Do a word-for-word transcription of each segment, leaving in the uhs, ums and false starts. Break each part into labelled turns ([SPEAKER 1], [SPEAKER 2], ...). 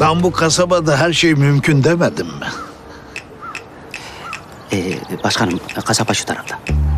[SPEAKER 1] Ben bu kasabada her şey mümkün demedim mi?
[SPEAKER 2] Ee, başkanım, kasaba şu tarafta.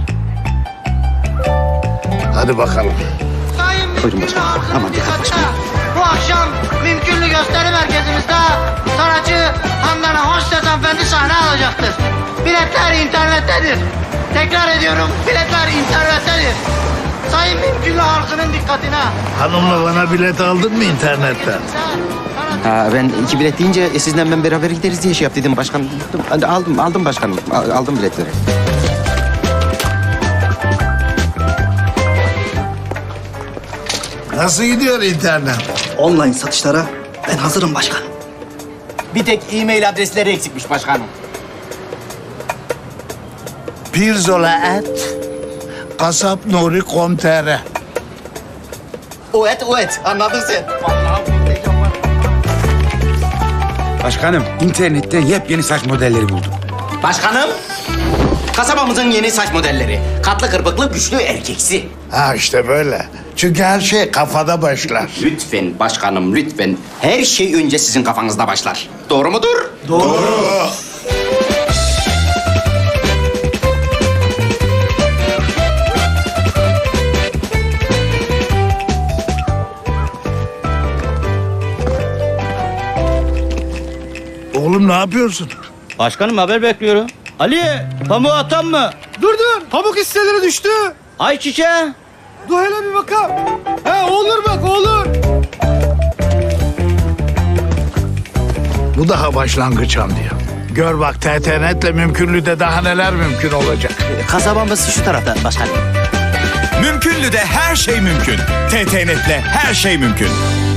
[SPEAKER 1] Hadi bakalım.
[SPEAKER 3] Sayın
[SPEAKER 2] Buyurun
[SPEAKER 3] Mümkünlü
[SPEAKER 2] başkanım.
[SPEAKER 3] halkının
[SPEAKER 2] Aman dikkat
[SPEAKER 3] dikkatine.
[SPEAKER 2] başkanım.
[SPEAKER 3] Bu akşam Mümkünlü gösteri merkezimizde sanatçı Handan Hoştet hanımefendi sahne alacaktır. Biletler internettedir. Tekrar ediyorum, biletler internettedir. Sayın Mümkünlü halkının dikkatine.
[SPEAKER 1] Hanımla bana bilet aldın mı internetten?
[SPEAKER 2] Ha, ben iki bilet deyince e, sizinle ben beraber gideriz diye şey yap dedim başkanım. Hadi aldım, aldım başkanım. Al- Aldım biletleri.
[SPEAKER 1] Nasıl gidiyor internet?
[SPEAKER 4] Online satışlara ben hazırım başkanım.
[SPEAKER 2] Bir tek e-mail adresleri eksikmiş başkanım.
[SPEAKER 1] Pirzola et, kasap nuri nokta com nokta tr.
[SPEAKER 2] O et, o et. Anladın sen.
[SPEAKER 5] Başkanım, internetten yepyeni saç modelleri buldum.
[SPEAKER 2] Başkanım, kasabamızın yeni saç modelleri. Katlı kırpıklı, güçlü erkeksi.
[SPEAKER 1] Ha işte böyle. Çünkü her şey kafada başlar.
[SPEAKER 2] Lütfen başkanım, lütfen. Her şey önce sizin kafanızda başlar. Doğru mudur?
[SPEAKER 1] Doğru. Oğlum ne yapıyorsun?
[SPEAKER 6] Başkanım haber bekliyorum. Ali, pamuğu atan mı?
[SPEAKER 7] Dur dur, pamuk hisseleri düştü.
[SPEAKER 6] Ay çiçeğe.
[SPEAKER 7] Dur hele bir bakalım. He olur bak olur.
[SPEAKER 1] Bu daha başlangıç diyor. Gör bak T T Net'le mümkünlüğde daha neler mümkün olacak.
[SPEAKER 2] Kasabamız şu tarafta başkanım.
[SPEAKER 8] Mümkünlü de her şey mümkün. T T Net'le her şey mümkün.